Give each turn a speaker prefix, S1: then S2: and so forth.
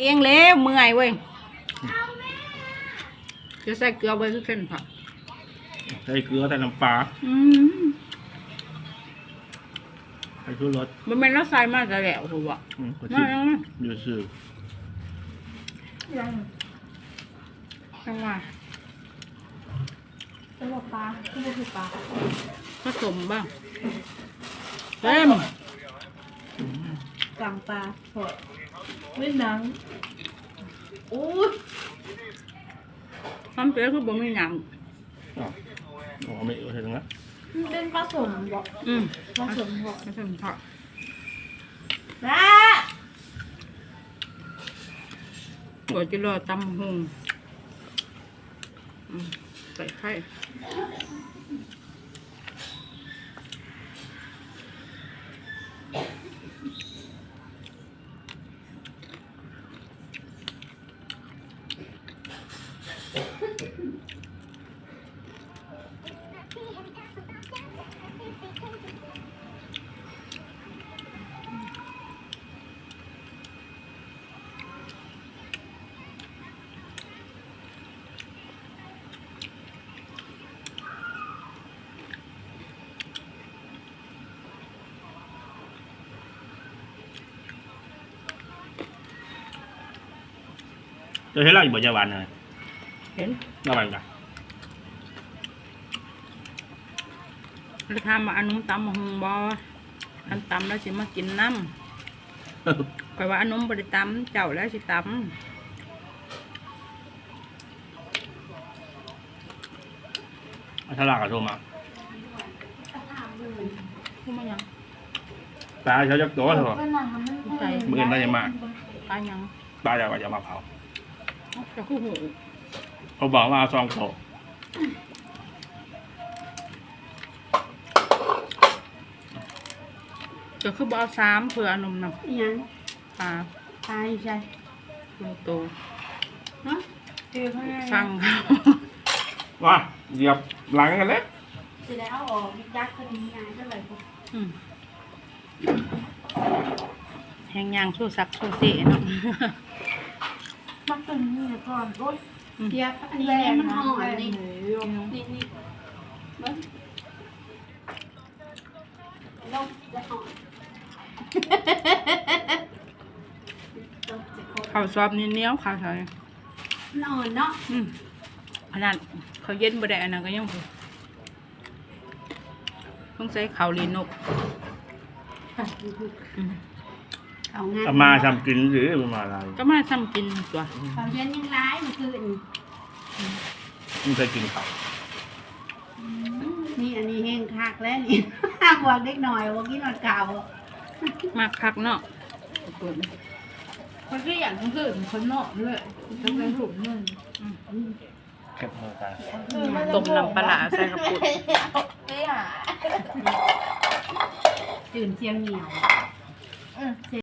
S1: เองแล้วเมื่อยเว้ยจะใส่เกลือไว้คือเส้นผัก
S2: ใส่เกลือใส่น้ำปลาใส่ชูรส
S1: มันเป็นน้ำใส่มาแต่แล้วถูกป่ะนั่น
S2: อยู่ซื่อ
S1: จังหวะ
S3: จังหวะปลาที่นี่คือปลา
S1: ผสมบ้างเต็ม
S3: กลางปลาสดไม่หนังอู้
S1: ทำเปรี้ยวคือบ่มีหนัง
S2: อ๋อไม่เห็นนะ
S3: เป็นผสมบอกผสมบอก
S1: ผสมผัก
S3: นะ
S1: หัวจิโร่ตำหงใส่ไข่
S2: จะเห็นเราอยู่บนยาวันเลย
S1: เห็น
S2: ยาวันกัน
S1: เราทำมาอันนุ่มตำหงบออันตำแล้วสิมากินน้ำคอยว่าอันนุ่มบริตำเจ้าแล้วสิตำ
S2: ฉลากกับโทรมา
S1: พูดมายัง
S2: ปลาเขาจะโตเถอะมือได้ยังมาก
S1: ปลายัง
S2: ปลาจะมาเผา
S1: จะคู่หู
S2: เขาบอกว่าซองโต
S1: จะคือบอสามเผื่ออนมน
S3: ำยัง
S1: ปลา
S3: ตายใช่
S1: โต
S3: ฮะเจอเขา
S1: สั่งเขา
S2: ว่าเหยียบหลังกันเลย
S3: จะได้เอาออกยักษ์คนนี้ไงก็เลย
S1: แหงยางสู้ซักสู้เสีเนาะ
S3: มักตัวนี้ก่อนรถเทียบอันนี้แรงมันห่อนี่นี่เบิ้ลลงจะห่อ
S1: ข้าวซอบนี่เนี้ยข้าวใส่
S3: นอนเนาะ
S1: ขนาดเขาเย็นบ่ได้อันนั้นก็ยังต้องใช้ข้าวลีนก
S2: มาทำกินหรือมาอะไร
S1: ก็มาทำกินตัว
S3: เขาเย็นยังร้ายมันคือ
S2: ไม่เคยกินข้าว
S3: นี่อันนี้แห้งคักแล้วนี่ห้ามวางเล็กหน่อยว่ากินนอนเก่า
S1: มาคักเนาะ
S3: คนที่อย่างคนอื่นคนนอกด้วยจะเป็นถุงนึง
S2: เก็บมือกัน
S1: ต้มน้ำปลาใส่กระปุก
S3: ตื่นเชียงเหนียว